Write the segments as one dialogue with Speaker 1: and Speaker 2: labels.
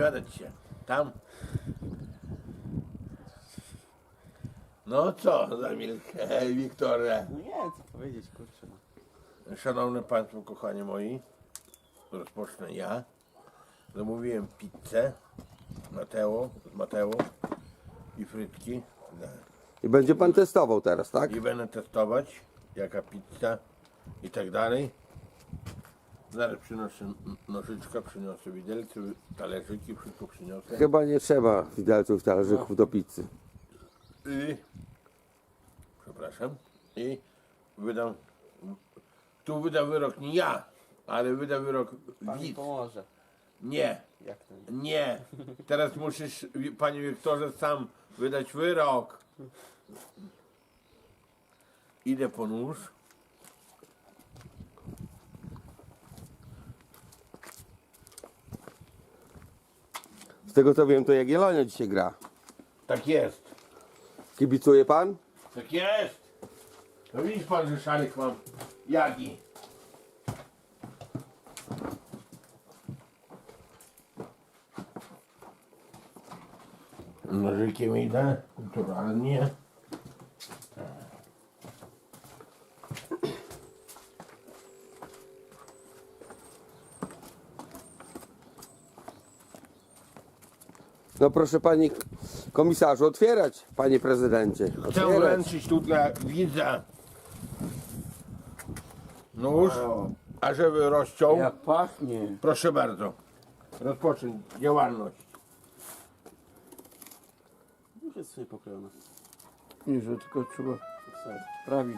Speaker 1: wypowiadać się. Tam. No co za milk, Wiktorze.
Speaker 2: No nie, co powiedzieć, kurczę. No.
Speaker 1: Szanowni Państwo, kochani moi, rozpocznę ja. Zamówiłem pizzę Mateo i frytki.
Speaker 3: I będzie pan testował teraz, tak?
Speaker 1: I będę testować, jaka pizza i tak dalej. Zaraz przynoszę nożyczka, przyniosę widelce, talerzyki, wszystko przyniosę.
Speaker 3: Chyba nie trzeba widelców, talerzyków do pizzy.
Speaker 1: I, przepraszam, i wydam, tu wyda wyrok nie ja, ale wyda wyrok
Speaker 2: Pan mi
Speaker 1: widz.
Speaker 2: pomoże.
Speaker 1: Nie,
Speaker 2: Jak to?
Speaker 1: nie, teraz musisz, panie Wiktorze, sam wydać wyrok. Idę po nóż.
Speaker 3: Z tego co wiem, to Jagiellonia dzisiaj gra.
Speaker 1: Tak jest,
Speaker 3: Kibicuje pan?
Speaker 1: tak jest. No widzisz pan, że szalik mam Jagi. Nożykiem idę, kulturalnie.
Speaker 3: No proszę pani komisarzu, otwierać, panie prezydencie.
Speaker 1: Chcę
Speaker 3: Otwierać.
Speaker 1: wręczyć tu dla widza nóż, a żeby rozciął,
Speaker 2: Jak pachnie.
Speaker 1: proszę bardzo, rozpocząć działalność.
Speaker 2: Już jest sobie pokrojona.
Speaker 4: Nie, że tylko trzeba sprawić.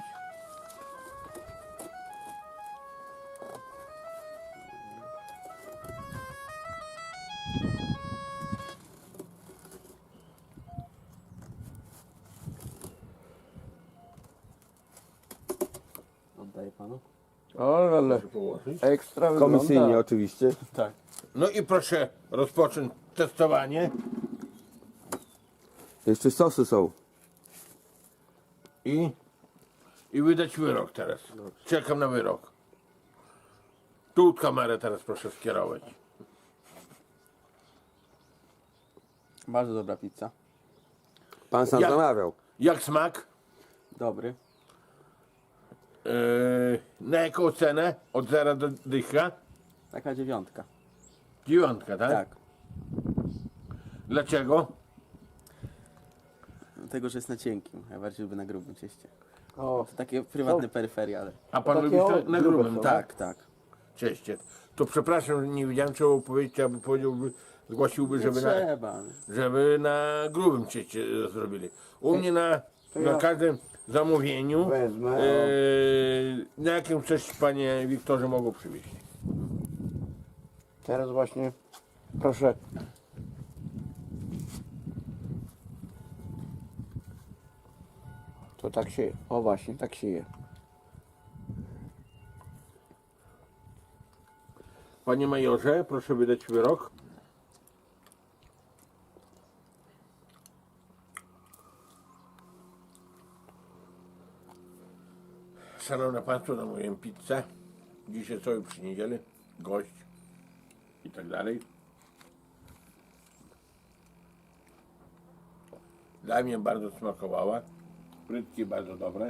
Speaker 2: Oddaję panu.
Speaker 4: Ale
Speaker 1: Proszę położyć.
Speaker 4: ekstra
Speaker 3: Komisyjnie
Speaker 4: wygląda.
Speaker 3: oczywiście.
Speaker 2: Tak.
Speaker 1: No i proszę rozpocząć testowanie
Speaker 3: Jeszcze sosy są.
Speaker 1: i wydać wyrok teraz. Czekam na wyrok. Tu kamerę teraz proszę skierować.
Speaker 2: Bardzo dobra pizza.
Speaker 3: Pan sam
Speaker 1: Jak?
Speaker 3: zamawiał.
Speaker 1: Jak smak?
Speaker 2: Dobry.
Speaker 1: Na jaką cenę? Od 0 do dycha?
Speaker 2: Taka 9.
Speaker 1: 9, tak?
Speaker 2: Tak.
Speaker 1: Dlaczego?
Speaker 2: Dlatego, że jest na cienkim, a bardziej lubię na grubym cieście.
Speaker 4: O,
Speaker 2: To takie prywatne peryferie, ale...
Speaker 1: A pan
Speaker 4: Takie
Speaker 1: lubi to
Speaker 4: o,
Speaker 1: na
Speaker 4: grube
Speaker 1: grubym,
Speaker 4: są,
Speaker 1: tak?
Speaker 2: Tak, tak.
Speaker 1: Cieście. To przepraszam, że nie wiedziałem czego powiedzieć, aby powiedziałby, zgłosiłby,
Speaker 2: Nie
Speaker 1: żeby
Speaker 2: trzeba.
Speaker 1: na grubym cieście zrobili. U mnie na
Speaker 4: ja
Speaker 1: każdym zamówieniu
Speaker 4: wezmę,
Speaker 1: na jakim coś panie Wiktorze mogą przywieźć.
Speaker 4: teraz właśnie proszę. To tak się, o właśnie, tak się je.
Speaker 1: Panie majorze, proszę wydać wyrok. Szanowne Państwo, zamówiłem pizzę. Dzisiaj sobie przy niedzielę, gość i tak dalej. Dla mnie bardzo smakowała. Frytki bardzo dobre.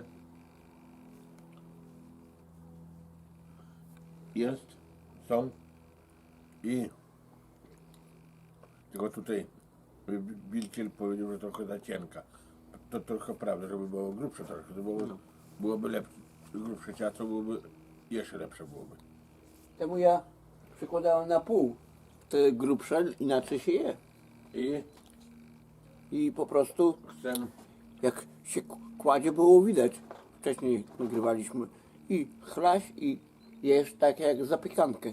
Speaker 1: Są i tylko tutaj Wilkiel powiedział, że trochę za cienka. To trochę prawda, żeby było grubsze trochę, to byłoby lepsze. Grubsze ciasto byłoby jeszcze lepsze byłoby.
Speaker 4: Temu ja przykładałem na pół. Te grubsze inaczej się je. I po prostu
Speaker 1: Chcę
Speaker 4: jak się kładzie było widać. Wcześniej nagrywaliśmy i chlaś i jesz tak jak zapiekankę.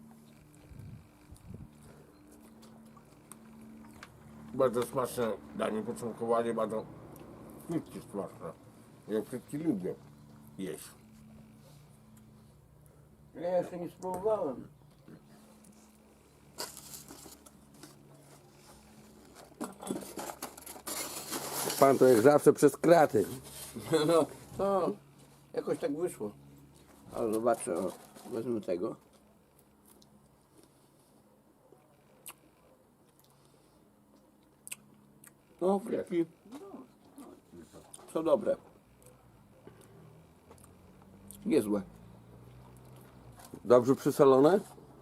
Speaker 1: bardzo smaczne danie, początkowanie bardzo frytki smaczne. Ja frytki lubię jeść.
Speaker 4: Ja jeszcze nie spróbowałem.
Speaker 3: Pan to jak zawsze przez kraty.
Speaker 4: No, to jakoś tak wyszło. Ale zobaczę, o, wezmę tego. No, frytki są dobre. Niezłe.
Speaker 3: Dobrze przysolone?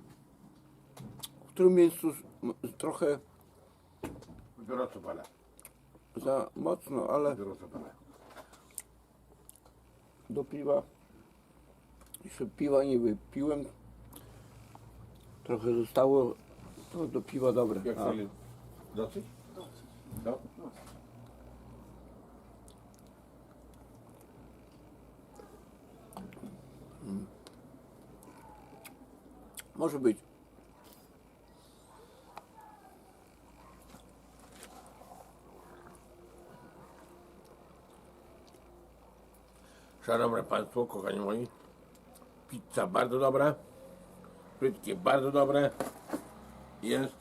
Speaker 4: W którym miejscu trochę
Speaker 1: Dopiero co palę.
Speaker 4: za mocno, ale
Speaker 1: Dopiero co palę.
Speaker 4: do piwa. Jeszcze piwa nie wypiłem. Trochę zostało. To do piwa dobre.
Speaker 1: Jak
Speaker 4: A,
Speaker 1: sobie dosyć? No.
Speaker 4: może być.
Speaker 1: Szanowne Państwo, kochani moi, pizza bardzo dobra, frytki bardzo dobre, jest,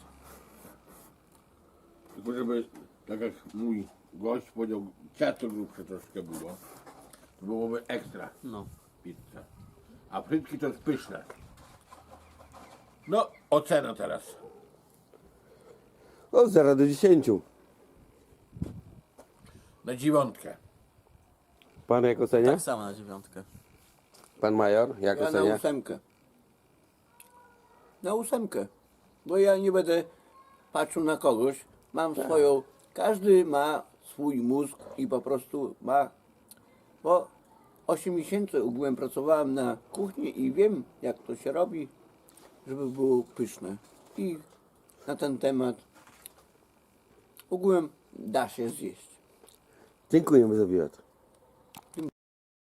Speaker 1: tylko żeby, tak jak mój gość powiedział, ciasto grubsze troszkę było, to byłoby ekstra
Speaker 2: No.
Speaker 1: pizza, a frytki to jest pyszne. No, ocena teraz.
Speaker 3: Od 0 do 10.
Speaker 1: Na 9.
Speaker 3: Pan jak ocenia?
Speaker 2: Tak samo na 9.
Speaker 3: Pan major jak
Speaker 4: Ja na
Speaker 3: ocenia?
Speaker 4: 8. Na 8. Bo ja nie będę patrzył na kogoś. Mam swoją. Każdy ma swój mózg i po prostu ma. Bo 8 miesięcy ogółem pracowałem na kuchni i wiem, jak to się robi, żeby było pyszne. I na ten temat ogółem da się zjeść.
Speaker 3: Dziękujemy za wywiad.